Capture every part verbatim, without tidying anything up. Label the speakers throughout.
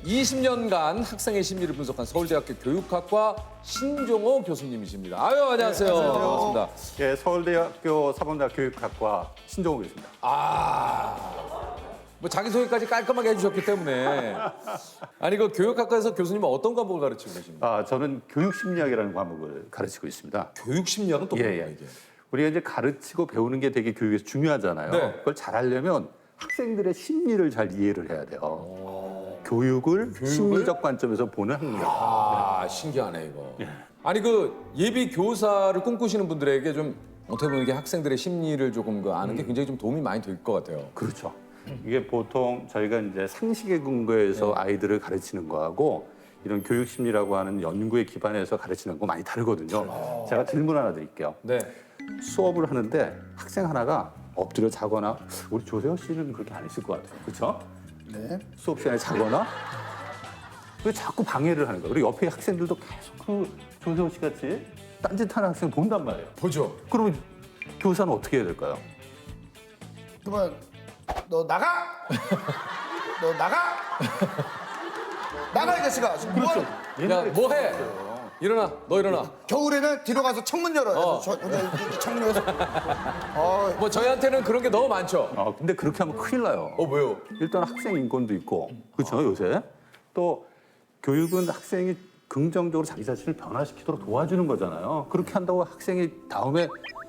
Speaker 1: 이십 년간 학생의 심리를 분석한 서울대학교 교육학과 신종호 교수님이십니다. 아유, 안녕하세요.
Speaker 2: 네, 안녕하세요.
Speaker 1: 반갑습니다.
Speaker 2: 예, 서울대학교 사범대학 교육학과 신종호 교수입니다.
Speaker 1: 아, 뭐 자기소개까지 깔끔하게 해주셨기 때문에. 아니, 그 교육학과에서 교수님은 어떤 과목을 가르치고 계십니까?
Speaker 2: 아, 저는 교육심리학이라는 과목을 가르치고 있습니다.
Speaker 1: 교육심리학은 또
Speaker 2: 예,
Speaker 1: 뭐예요,
Speaker 2: 예.
Speaker 1: 이게?
Speaker 2: 우리가 이제 가르치고 배우는 게 되게 교육에서 중요하잖아요.
Speaker 1: 네.
Speaker 2: 그걸 잘하려면 학생들의 심리를 잘 이해를 해야 돼요. 교육을, 심리적 관점에서 보는 학력.
Speaker 1: 아, 신기하네, 이거. 아니, 그 예비 교사를 꿈꾸시는 분들에게 좀 어떻게 보면 이게 학생들의 심리를 조금 그 아는 게 굉장히 좀 도움이 많이 될 것 같아요.
Speaker 2: 그렇죠. 이게 보통 저희가 이제 상식에 근거해서
Speaker 1: 네.
Speaker 2: 아이들을 가르치는 거하고 이런 교육심리라고 하는 연구에 기반해서 가르치는 거 많이 다르거든요. 제가 질문 하나 드릴게요.
Speaker 1: 네.
Speaker 2: 수업을 하는데 학생 하나가 엎드려 자거나 우리 조세호 씨는 그렇게 안 했을 것 같아요. 그렇죠?
Speaker 3: 네.
Speaker 2: 수업 시간에 자거나 왜 자꾸 방해를 하는 거예요. 그리고 옆에 학생들도 계속 그 조세호 씨 같이 딴짓하는 학생 본단 말이에요.
Speaker 1: 보죠.
Speaker 2: 그러면 교사는 어떻게 해야 될까요?
Speaker 3: 그러면 너 나가! 너 나가! 나가 이 자식아! 지금 뭐 하는-
Speaker 1: 야, 뭐 해? 일어나, 너 일어나.
Speaker 3: 겨울에는 뒤로 가서 창문 열어.
Speaker 1: 어.
Speaker 3: 저, 저, 저, 창문 열어서. 어,
Speaker 1: 뭐 저희한테는 그런 게 너무 많죠.
Speaker 2: 아, 근데 그렇게 하면 큰일 나요.
Speaker 1: 어, 왜요?
Speaker 2: 일단 학생 인권도 있고, 그렇죠, 요새. 또 교육은 학생이 긍정적으로 자기 자신을 변화시키도록 도와주는 거잖아요. 그렇게 한다고 학생이 다음에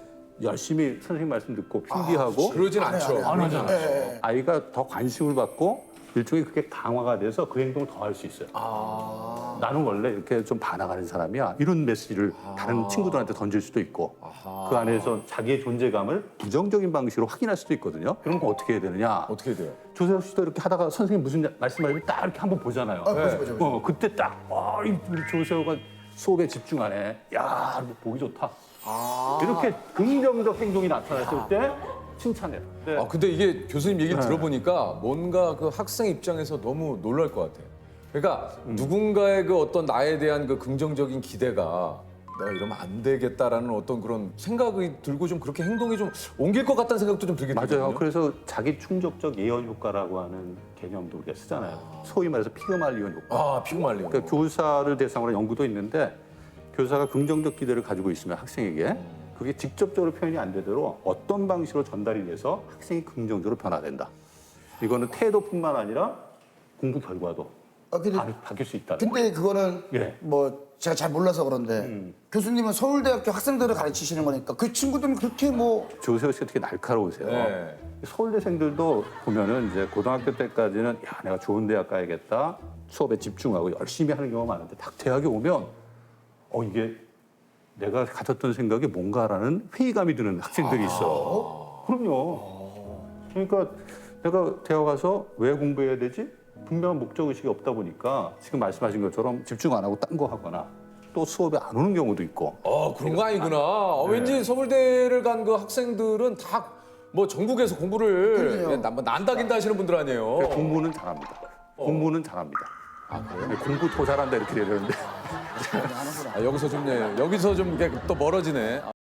Speaker 2: 열심히 선생님 말씀 듣고 필기하고
Speaker 1: 그러진 않죠.
Speaker 2: 안 하잖아요.
Speaker 3: 네.
Speaker 2: 아이가 더 관심을 받고 일종의 그게 강화가 돼서 그 행동을 더 할 수 있어요.
Speaker 1: 아.
Speaker 2: 나는 원래 이렇게 좀 반항하는 사람이야. 이런 메시지를 다른 친구들한테 던질 수도 있고 그 안에서 자기의 존재감을 부정적인 방식으로 확인할 수도 있거든요. 그런 거 어떻게 해야 되느냐.
Speaker 1: 어떻게 해야 돼요?
Speaker 2: 조세호 씨도 이렇게 하다가 선생님 무슨 말씀하시면 딱 이렇게 한번 보잖아요.
Speaker 3: 아, 보죠, 보죠, 보죠.
Speaker 2: 어, 그때 딱, 와, 이 우리 조세호가 수업에 집중하네. 야, 이거 보기 좋다.
Speaker 1: 아.
Speaker 2: 이렇게 긍정적 행동이 나타났을 때 칭찬해요. 네.
Speaker 1: 아, 근데 이게 교수님 얘기를 들어보니까 뭔가 그 학생 입장에서 너무 놀랄 것 같아요. 그러니까 누군가의 그 어떤 나에 대한 그 긍정적인 기대가 내가 이러면 안 되겠다라는 어떤 그런 생각이 들고 좀 그렇게 행동이 좀 옮길 것 같다는 생각도 좀 들게 되거든요.
Speaker 2: 맞아요. 그래서 자기 충족적 예언 효과라고 하는 개념도 우리가 쓰잖아요. 소위 말해서 피그말리온 효과.
Speaker 1: 아, 피그말리온.
Speaker 2: 그러니까 교사를 대상으로 한 연구도 있는데 교사가 긍정적 기대를 가지고 있으면 학생에게 그게 직접적으로 표현이 안 되도록 어떤 방식으로 전달이 돼서 학생이 긍정적으로 변화된다. 이거는 태도뿐만 아니라 공부 결과도
Speaker 3: 아, 근데,
Speaker 2: 바, 바뀔 수 있다.
Speaker 3: 근데 그거는
Speaker 2: 예.
Speaker 3: 뭐 제가 잘 몰라서 그런데 교수님은 서울대학교 학생들을 가르치시는 거니까 그 친구들은 그렇게 뭐
Speaker 2: 조세호 씨가 되게 날카로우세요.
Speaker 1: 네.
Speaker 2: 서울대생들도 보면은 이제 고등학교 때까지는 야 내가 좋은 대학 가야겠다 수업에 집중하고 열심히 하는 경우가 많은데 딱 대학에 오면 어 이게 내가 가졌던 생각이 뭔가라는 회의감이 드는 학생들이 있어. 그럼요. 그러니까 내가 대학 가서 왜 공부해야 되지? 분명한 목적 의식이 없다 보니까 지금 말씀하신 것처럼 집중 안 하고 딴 거 하거나 또 수업에 안 오는 경우도 있고.
Speaker 1: 어, 그런 거 아니구나. 어, 왠지 서울대를 간 그 학생들은 다 뭐 전국에서 공부를
Speaker 3: 그러네요.
Speaker 1: 예, 난- 뭐 난다긴다 하시는 분들 아니에요.
Speaker 2: 그러니까 공부는 잘합니다. 공부는 잘합니다.
Speaker 1: 아, 그래요?
Speaker 2: 네, 공부 더 잘한다 이렇게 돼야 되는데.
Speaker 1: 아, 여기서 좀, 예, 여기서 좀 이렇게 또 멀어지네.